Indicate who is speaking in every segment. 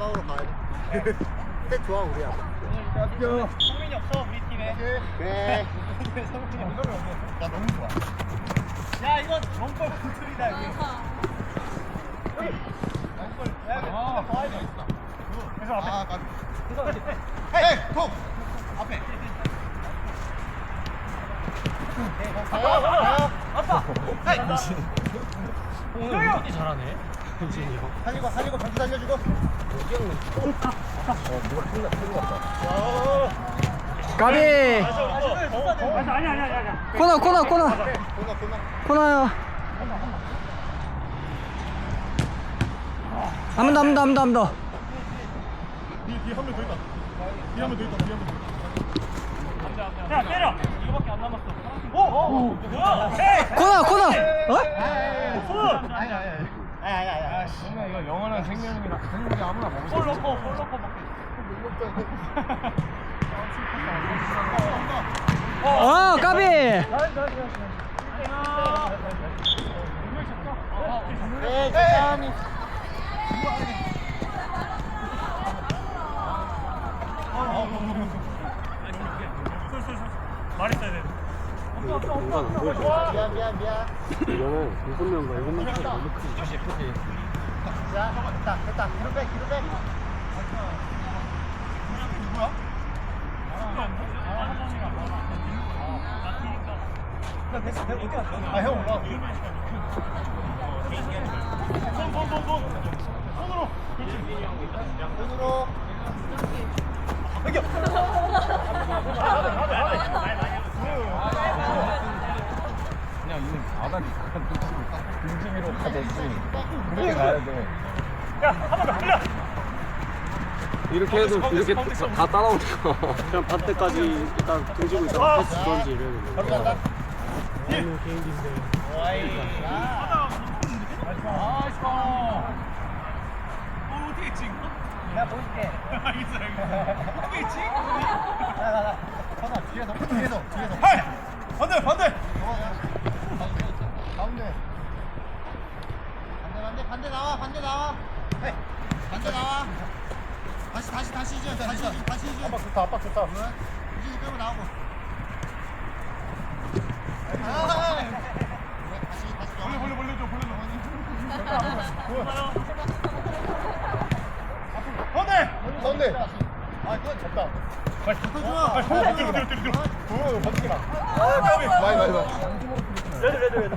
Speaker 1: 싸우러 가야 돼. 셋 좋아 우리야.
Speaker 2: 야, 성민이 없어 우리 팀에.
Speaker 1: 그래.
Speaker 2: 성민이 없어.
Speaker 1: 나 너무 좋아.
Speaker 2: 야 이건 원골 구슬이다 여기. 원골. 야 이거 더 해야 돼. 그래서 앞에.
Speaker 1: 아, 까비. 헤이, 톡. 앞에.
Speaker 2: 아빠. 헤이.
Speaker 3: 오늘 은근히 잘하네. 현진이 형.
Speaker 1: 살리고 경기 살려주고.
Speaker 3: 여기 형은 뭐가 큰일 났다.
Speaker 4: 까비.
Speaker 2: 아니야.
Speaker 4: 코너.
Speaker 1: 코너.
Speaker 4: 코너요. 한 번 더.
Speaker 1: 뒤에 한 명 더 있다.
Speaker 2: 야 때려. 이거밖에 안 남았어. 오. 뭐야? 헤이.
Speaker 4: 코너. 어?
Speaker 2: 손.
Speaker 1: 아니.
Speaker 3: 정말 이거 영원한 생명이라 생명이 아무나 먹을 수
Speaker 2: 골
Speaker 3: 없어.
Speaker 2: 넣고 먹게.
Speaker 4: 까비.
Speaker 1: 천천히.
Speaker 2: 말했어야 돼.
Speaker 1: 미안.
Speaker 3: 이거는 6명과 7명 차이 너무 크지.
Speaker 1: 자, 됐다. 뒤로 빼. 아, 형 올라. 손으로.
Speaker 3: 그냥 이는 바닥이 등짐으로 가듯이 이렇게 가야 돼. 이렇게 해도 이렇게 다 따라오니까 그냥 반대까지 일단 등지고 있다가 패스 던지 이러는 거.
Speaker 1: 간다.
Speaker 3: 너무 개인기인데.
Speaker 2: 어떻게 찍어?
Speaker 1: 내가 보여줄게.
Speaker 2: 알겠어. 어떻게 찍어?
Speaker 1: 나. 뒤에서.
Speaker 2: 헤이. 반대.
Speaker 1: 가운데. 반대 나와. 헤이. 반대 나와. 다시 이제. 압박 좋다. 이제 끌고 나오고. 다시.
Speaker 2: 벌려줘.
Speaker 1: 가운데. 아, 그건 됐다.
Speaker 2: 뒤로.
Speaker 1: 버티기만. 많이.
Speaker 2: 레드.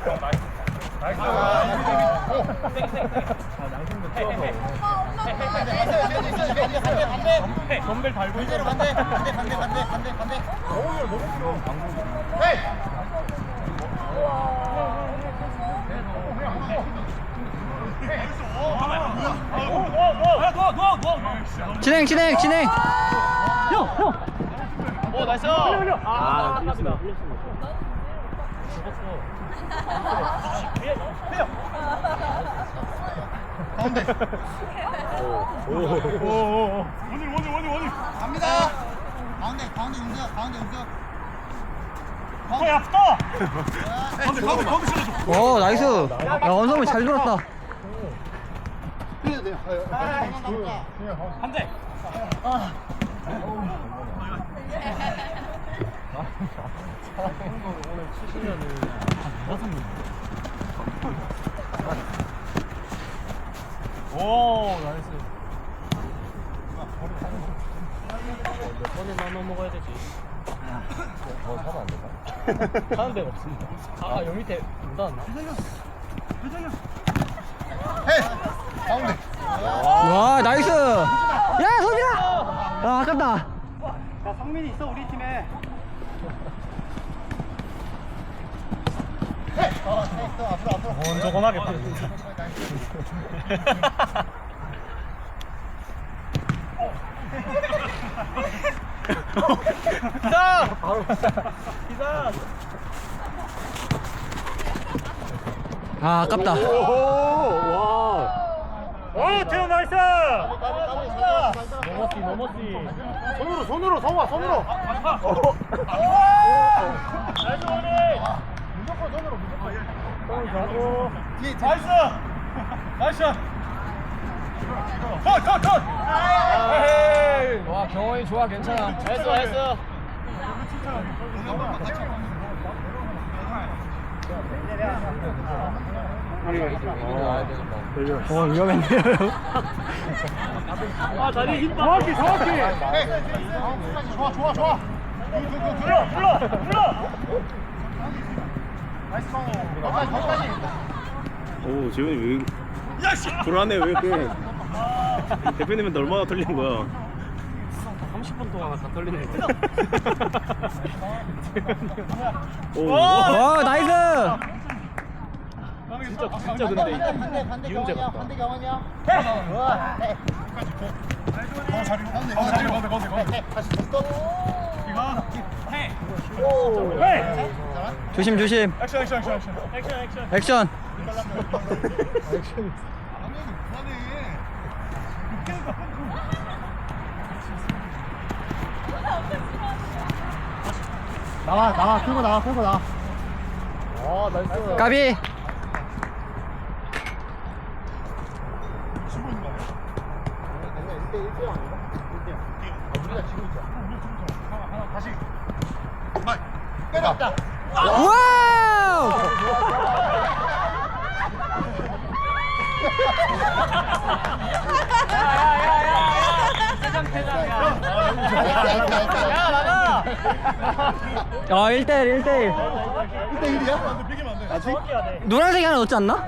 Speaker 2: 반대. 덤벨 달고
Speaker 1: 반대로 반대. 헤이!
Speaker 4: 진행.
Speaker 2: 오 나이스.
Speaker 3: 아,
Speaker 2: 깜짝이야.
Speaker 1: 가운데.
Speaker 2: 원일.
Speaker 1: 갑니다. 가운데 용서.
Speaker 2: 야 붙어. 가운데 실어줘.
Speaker 4: 나이스. 야, 원성이 잘 돌았다.
Speaker 1: 흘려도 돼요.
Speaker 2: 반대.
Speaker 3: 오늘 치시면은 5명.
Speaker 2: 오 나이스.
Speaker 3: 몇 번에 나눠 먹어야 되지? 사면 안 될까? 사는 데가 없습니다. 여 밑에 문 닫았나?
Speaker 1: 헤이! 가운데.
Speaker 4: 와, 나이스. 야, 소빈아. 아깝다.
Speaker 2: 자 성민이 있어 우리 팀에.
Speaker 1: 앞으로.
Speaker 2: 건조건하게 파. 기사.
Speaker 4: 아깝다.
Speaker 2: 오 태훈 나이스.
Speaker 3: 넘었지.
Speaker 1: 손으로 성화 손으로.
Speaker 2: 나이스 원이.
Speaker 1: 무조건 손으로.
Speaker 2: 가고.
Speaker 1: 뒤에.
Speaker 2: 나이스. 나이스.
Speaker 3: 와 경원이 좋아 괜찮아. 했어.
Speaker 4: 위험했네요.
Speaker 2: 아 다리 힘 정확히
Speaker 1: 좋아.
Speaker 2: 불러
Speaker 1: 나이스 방. 거기까지.
Speaker 5: 오 재훈이 왜 불안해 왜 이렇게 대표님한테 얼마나 털린 거야
Speaker 3: 30분 동안 다 떨리네.
Speaker 5: 오
Speaker 4: 와, 나이스.
Speaker 3: 진짜 근데 이윤재 같다.
Speaker 1: 반대 경원이야. 가운데. 다시 스톱.
Speaker 4: 조심.
Speaker 2: 액션
Speaker 4: 액션.
Speaker 1: 나와, 끌고 나와.
Speaker 3: 아 나이스.
Speaker 4: 까비.
Speaker 1: 때렸다.
Speaker 4: 와우. 아, 1대1.
Speaker 1: 1대1이야?
Speaker 2: 정확히 해야 돼
Speaker 4: 노란색이 하나 넣지 않나?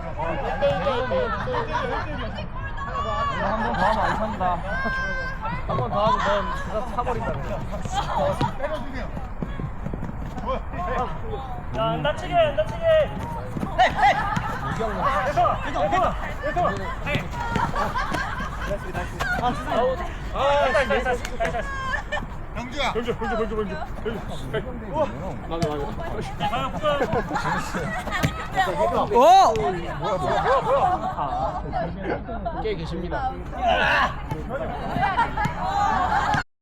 Speaker 3: 한번 더 하면 안 산다. 한 번 더 하면 넌 그거 사버린다.
Speaker 1: 때려주세요.
Speaker 2: 야 안 다치게 나이스
Speaker 1: 병주야.
Speaker 4: 오!
Speaker 3: 깨 계십니다.